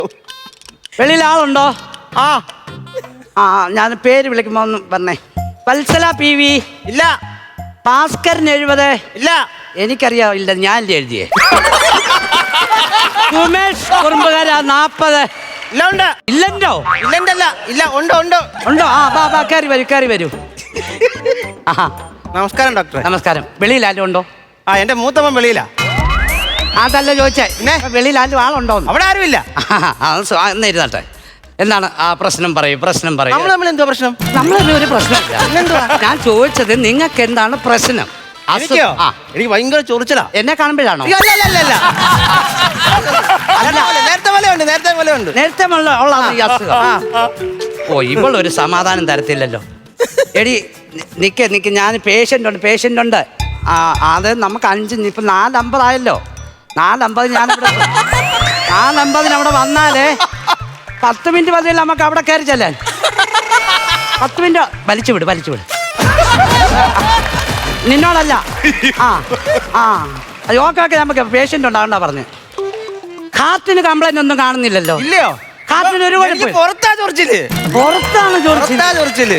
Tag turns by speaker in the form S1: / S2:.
S1: വെളിയിൽ ആളുണ്ടോ?
S2: ആ
S1: ആ ഞാൻ പേര് വിളിക്കുമ്പോ ഒന്ന് പറഞ്ഞേ. Vatsala P V.
S2: ഇല്ല.
S1: ഭാസ്കരൻ 70.
S2: ഇല്ല.
S1: എനിക്കറിയാം, ഇല്ല ഞാനല്ലേ എഴുതിയേ. ഉമേഷ് കുറുമ്പുകാര 40.
S2: ഇല്ല ഉണ്ട്.
S1: ഇല്ലല്ലോ.
S2: ഇല്ലല്ല. ഇല്ല ഉണ്ട് ഉണ്ട്.
S1: ഉണ്ടോ? ആ ബാ കയറി വരൂ കയറി വരൂ. ആഹാ
S2: നമസ്കാരം ഡോക്ടറെ.
S1: നമസ്കാരം. വെളിയിൽ ആരും ഉണ്ടോ?
S2: ആ എന്റെ മൂത്തമ്മൻ വെളിയിലാ.
S1: അതല്ല ചോദിച്ചേ, വെളിയിൽ ആരും ആളുണ്ടോ?
S2: അവിടെ ആരുമില്ല.
S1: എന്ന് ഇരുന്നട്ടെ. എന്താണ് ആ പ്രശ്നം പറയൂ, പ്രശ്നം പറയൂ.
S2: നമ്മൾ തമ്മിൽ എന്തോ പ്രശ്നം?
S1: നമ്മളൊന്നും ഒരു പ്രശ്നമില്ല. ഞാൻ ചോദിച്ചത് നിങ്ങൾക്ക് എന്താണ് പ്രശ്നം?
S2: എനിക്കോ? എനിക്ക് ഭയങ്കര ചൊറിച്ചിലാ.
S1: എന്നെ കാണുമ്പോഴാണോ? നേരത്തെ ഉള്ള ഈ അസുഖം. ഓ ഇവളൊരു സമാധാനം തരത്തില്ലല്ലോ. എടി നിക്ക് ഞാൻ പേഷ്യൻ്റ് ഉണ്ട്. ആ അത് നമുക്ക് 5 ഇപ്പം 4:50 ആയല്ലോ. 4:50 ഞാനിവിടെ 4:50 അവിടെ വന്നാലേ 10 മിനിറ്റ് മതിയല്ല നമുക്ക് അവിടെ കയറി ചെല്ലാൻ. 10 മിനിറ്റ് വലിച്ചു വിട്. നിന്നോടല്ല. ഓക്കെ നമുക്ക് പേഷ്യൻ്റ് ഉണ്ടാകണ്ട പറഞ്ഞു. ഹാർട്ടിന് കംപ്ലൈന്റ് ഒന്നും കാണുന്നില്ലല്ലോ.
S2: ഇല്ലയോ?
S1: ഹാർട്ടിന് ഒരു കുഴപ്പം.
S2: പുറത്താ ചൊറിച്ചില്.
S1: പുറത്താണ് ചൊറിച്ചില്.